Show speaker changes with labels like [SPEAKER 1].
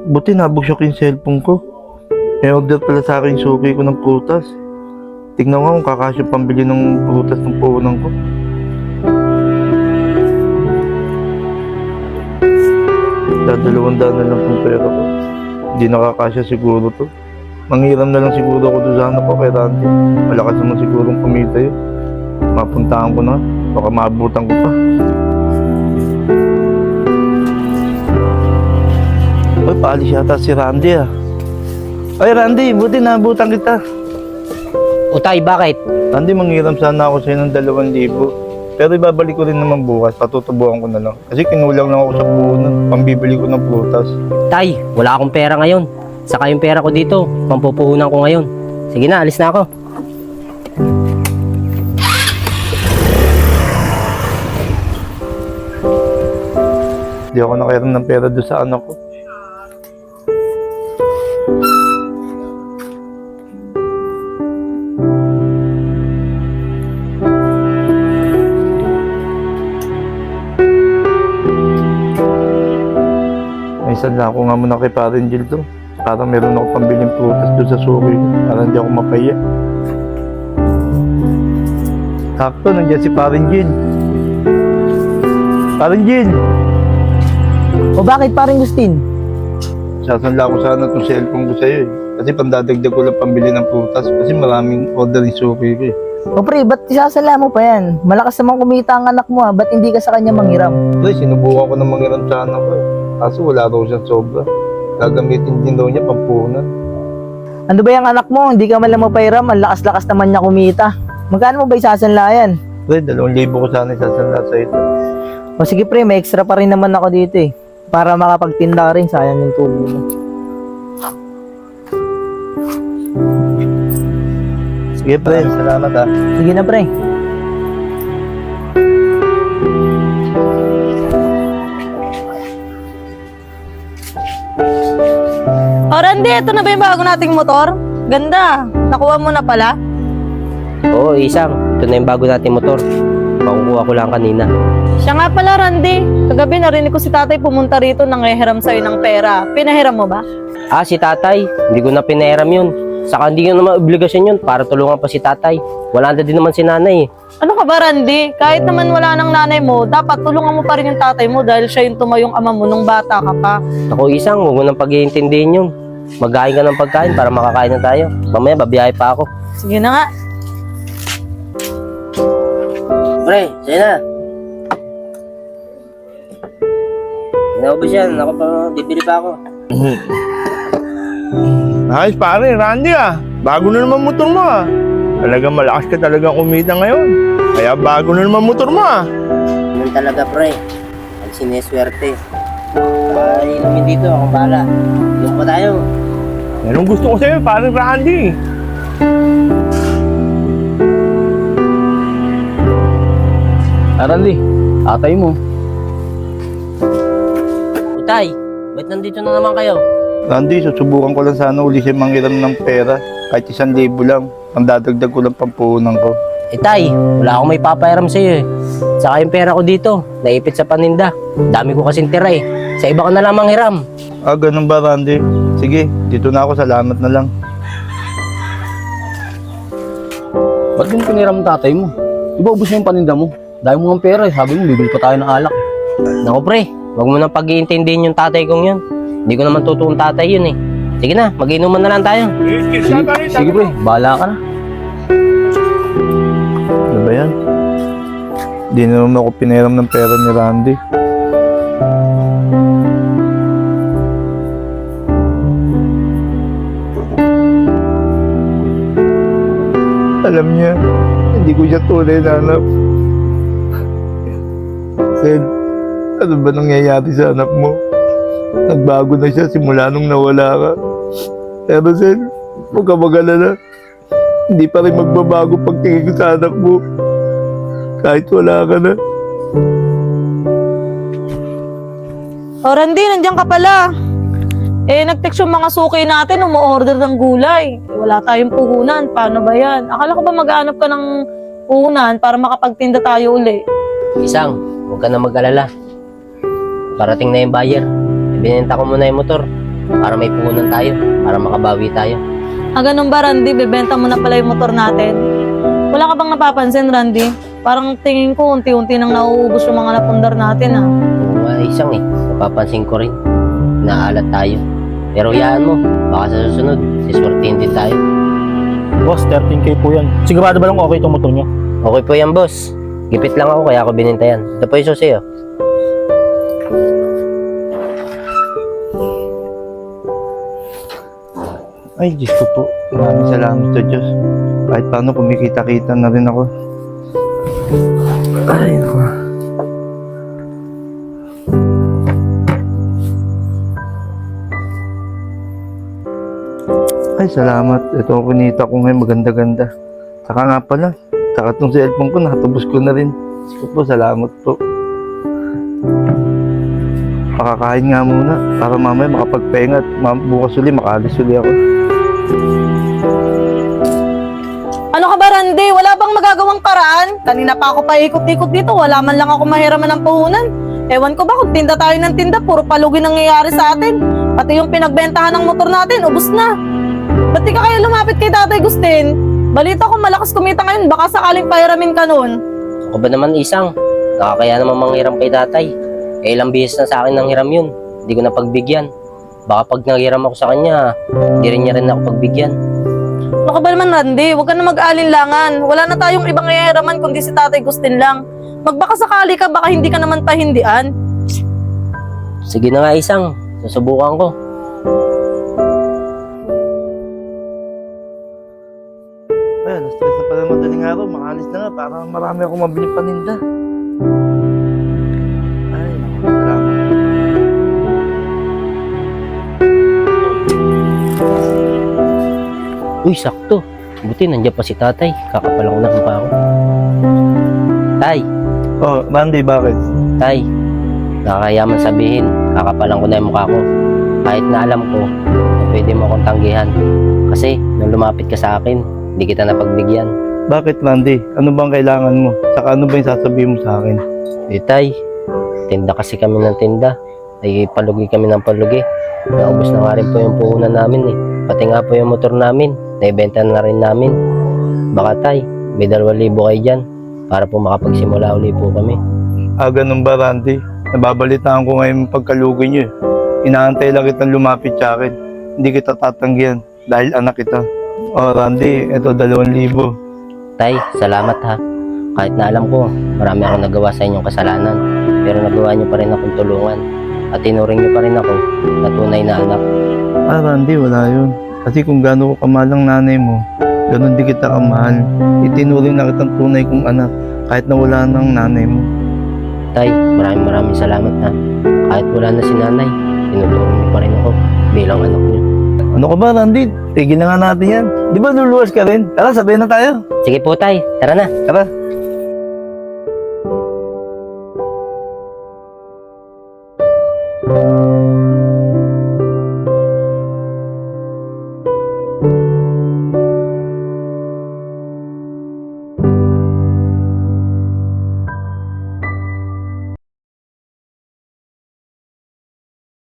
[SPEAKER 1] Buti nabugsyok yung cellphone ko. May order pala sa akin suki ko ng prutas. Tignan ko kung kakasya pambili ng prutas ng puhunan ko. $200 na lang kung pera ko. Hindi nakakasya siguro to. Manghiram na lang siguro ako doon sa anak ko kay Randy. Malakas naman sigurong kumita yun. Mapuntahan ko na. Baka maabutan ko pa. Ay, paalis yata si Randy ah. Ay Randy, buti naabutan kita.
[SPEAKER 2] Utay, bakit?
[SPEAKER 1] Randy, manghiram sana ako sa'yo ng 2,000. Pero ibabalik ko rin naman bukas. Patutubuhan ko na lang. Kasi kinulang lang ako sa puhunan. Pambibili ko ng prutas.
[SPEAKER 2] Tay, wala akong pera ngayon. Saka yung pera ko dito, pampupuhunan ko ngayon. Sige na, alis na ako.
[SPEAKER 1] Hindi ako nakairam ng pera doon sa anak ko. Minsan lang ako nga muna kay Parin Jill to. Para meron ako pambiling prutas doon sa suki. Para hindi ako mapaya. Sakto, nandiyan si Parin Jill. Parin Jill!
[SPEAKER 3] O bakit paring Gustin?
[SPEAKER 1] Sasanla ko sana itong cellphone ko sa'yo eh. Kasi pandadagdag ko lang pambili ng prutas. Kasi maraming order yung suki ko eh.
[SPEAKER 3] O pre, ba't isasala mo pa yan? Malakas naman kumita ang anak mo ba't hindi ka sa kanya manghiram?
[SPEAKER 1] Pre, sinubukan ko na manghiram sa anak ko eh. Kaso wala daw siyang sobra. Gagamitin din daw niya pampunan.
[SPEAKER 3] Ano ba yung anak mo? Hindi ka man lang mapairam, ang lakas-lakas naman niya kumita. Magkano mo ba isasanla yan?
[SPEAKER 1] Pre, 2,000 ko sana isasanla sa ito.
[SPEAKER 3] O sige pre, may extra pa rin naman ako dito eh. Para makapagtinda ka rin, sayang yung tubo mo.
[SPEAKER 1] Sige pre, salamat ah.
[SPEAKER 3] Sige na pre.
[SPEAKER 4] O Randy, ito na ba yung bago nating motor? Ganda. Nakuha mo na pala?
[SPEAKER 2] Oo, isang. Ito na yung bago nating motor. Makukuha ko lang kanina.
[SPEAKER 4] Siya nga pala, Randy. Kagabi narinig ko si tatay pumunta rito nang nanghihiram sa'yo ng pera. Pinahiram mo ba?
[SPEAKER 2] Ah, si tatay. Hindi ko na pinahiram yun. Saka hindi ko naman obligasyon yun para tulungan pa si tatay. Wala na din naman si nanay eh.
[SPEAKER 4] Ano ka ba, Randy? Kahit naman wala ng nanay mo, dapat tulungan mo pa rin yung tatay mo dahil siya yung tumayong ama mo nung bata ka pa.
[SPEAKER 2] Ako isang, huwag mo nang pag-iintindihin yun. Magkain ka ng pagkain para makakain na tayo. Mamaya, babiyahe pa ako.
[SPEAKER 4] Sige na nga.
[SPEAKER 2] Pre, sa'yo na. Naubos yan. Ako pa, bibili pa ako.
[SPEAKER 1] Nice pare, Randy ah. Bago na naman motor mo ah. Talagang malakas ka talagang kumita ngayon. Kaya bago na naman motor mo ah.
[SPEAKER 2] Ganun talaga, pre. Ang sineswerte. Ay, inumin dito. Akong bahala. Inom pa tayo.
[SPEAKER 1] Anong gusto ko sa'yo, parang Randy.
[SPEAKER 5] Randy, atay mo.
[SPEAKER 2] Utay, ba't nandito na naman kayo?
[SPEAKER 1] Randy, susubukan ko lang sana uli siya manghiram ng pera. Kahit 1,000 lang. Ang dadagdag ko lang pampunan ko.
[SPEAKER 2] Tay, wala akong may papairam sa'yo eh. Saka yung pera ko dito, naipit sa paninda. Dami ko kasing tira eh. Sa iba ka na lang manghiram.
[SPEAKER 1] Ah, ganun ba Randy? Sige, dito na ako. Salamat na lang.
[SPEAKER 5] Ba't yung piniram tatay mo? Iba ubos na yung paninda mo. Dahil mo ng pera eh. Sabi mo, bibili pa tayo ng alak eh.
[SPEAKER 2] Naku pre, wag mo nang pag-iintindihin yung tatay kong yun. Hindi ko naman totoong tatay yun eh. Sige na, mag-inuman na lang tayo.
[SPEAKER 5] Sige pre, bahala ka na.
[SPEAKER 1] Ano ba yan? Di na naman ako piniram ng pera ni Randy. Alam niya, hindi ko siya tunay na anak. Sen, ano ba nangyayari sa anak mo? Nagbago na siya simula nung nawala ka. Pero Sen, huwag ka mag-alala. Hindi pa rin magbabago pagtingin ko sa anak mo. Kahit wala ka na.
[SPEAKER 4] O Randy, nandiyan ka pala. Nag-text yung mga suki natin, umu-order ng gulay. Wala tayong puhunan. Paano ba yan? Akala ko ba maghanap ka ng puhunan para makapagtinda tayo uli?
[SPEAKER 2] Isang, huwag ka na mag-alala. Parating na yung buyer. Binenta ko muna yung motor. para may puhunan tayo, para makabawi tayo.
[SPEAKER 4] Ganun ba, Randy? Bebenta mo na pala yung motor natin? Wala ka bang napapansin, Randy? Parang tingin ko, unti-unti nang nauubos yung mga napundar natin, ah.
[SPEAKER 2] Oo nga, isang napapansin ko rin. Naalat tayo. Pero yaan mo, baka sa susunod, siswertihin din tayo.
[SPEAKER 6] Boss, 13K po yan. Sigurado ba lang okay itong motor nyo?
[SPEAKER 2] Okay po yan, boss. Gipit lang ako, kaya ako bininta yan. Ito po yung susi, oh.
[SPEAKER 1] Ay, Diyos ko po. Maraming salamat sa Diyos. Kahit paano kumikita-kita na rin ako. Ay, naku. Ay, salamat. Ito ang kunita ko ngayon. Maganda-ganda. Saka nga pala. Saka itong cellphone ko, nakatubos ko na rin. Diyos ko po, salamat po. Pakakain nga muna para mamaya makapagpahinga at bukas uli, makaalis uli ako.
[SPEAKER 4] Ano ka ba, Randy? Wala bang magagawang paraan? Kanina pa ako paikot-ikot dito, wala man lang ako mahiraman ng puhunan. Ewan ko ba kung tinda tayo ng tinda, puro palugi nangyayari sa atin. Pati yung pinagbentahan ng motor natin, ubos na. Ba't di ka kaya lumapit kay Tatay Gustin? Balita ko malakas kumita ngayon, baka sakaling pahiramin ka nun.
[SPEAKER 2] Ako ba naman, isang? Nakakaya naman manghiram kay tatay. Eh, ilang bihis na sa akin nang hiram yun. Hindi ko na pagbigyan. Baka pag nanghiram ako sa kanya, hindi rin niya rin ako pagbigyan.
[SPEAKER 4] Ano ka ba naman, Randy? Huwag ka na mag-aalinlangan. Wala na tayong ibang ihiraman kundi si Tatay Gustin lang. Magbaka sakali ka, baka hindi ka naman pahindian.
[SPEAKER 2] Sige na nga, isang. Susubukan ko.
[SPEAKER 1] Ay, alas 3 na pala madaling araw. Makaalis na nga para marami akong mabiling paninda. Ay, naku, salamat.
[SPEAKER 2] Uy, sakto. Buti nandiyan pa si tatay. Kakapalang ko na mukha ko. Tay,
[SPEAKER 1] Oh, Randy, bakit?
[SPEAKER 2] tay. Nakakayaman sabihin, kakapalang ko na yung mukha ko. Kahit na alam ko, na pwede mo akong tanggihan. Kasi, nung lumapit ka sa akin, hindi kita napagbigyan.
[SPEAKER 1] Bakit, Randy? Ano bang kailangan mo? Saka ano ba yung sasabihin mo sa akin?
[SPEAKER 2] Eh, tay, tinda kasi kami ng tinda. Ay, palugi kami ng palugi. Naubos na nga rin po yung puhunan namin eh. Pati nga po yung motor namin, naibenta na rin namin. Baka tay, may 2,000 kayo dyan para po makapagsimula uli po kami.
[SPEAKER 1] Ah, ganun ba, Randy? Nababalitaan ko ngayon yung pagkalugi niyo eh. Inaantay lang kitang lumapit sa akin. Hindi kita tatanggihan dahil anak kita. Oh, Randy, eto 2,000.
[SPEAKER 2] Tay, salamat ha. Kahit na alam ko, marami akong nagawa sa inyong kasalanan. Pero nagawa niyo pa rin akong tulungan. At tinuring niyo pa rin ako na tunay na anak.
[SPEAKER 1] Ah, Randy, wala yun. Kasi kung gaano ko kamahal ang nanay mo, ganun di kita kamahal. Itinuring na kitang tunay kong anak, kahit na wala nang nanay mo.
[SPEAKER 2] Tay, maraming salamat ha. Kahit wala na si nanay, tinuturing niyo pa rin ako bilang anak niyo.
[SPEAKER 1] Ano ka ba, Randy? Tigil na nga natin yan. Di ba luluwas ka rin? Tara, sabihin na tayo.
[SPEAKER 2] Sige po tay, tara na.
[SPEAKER 1] Tara.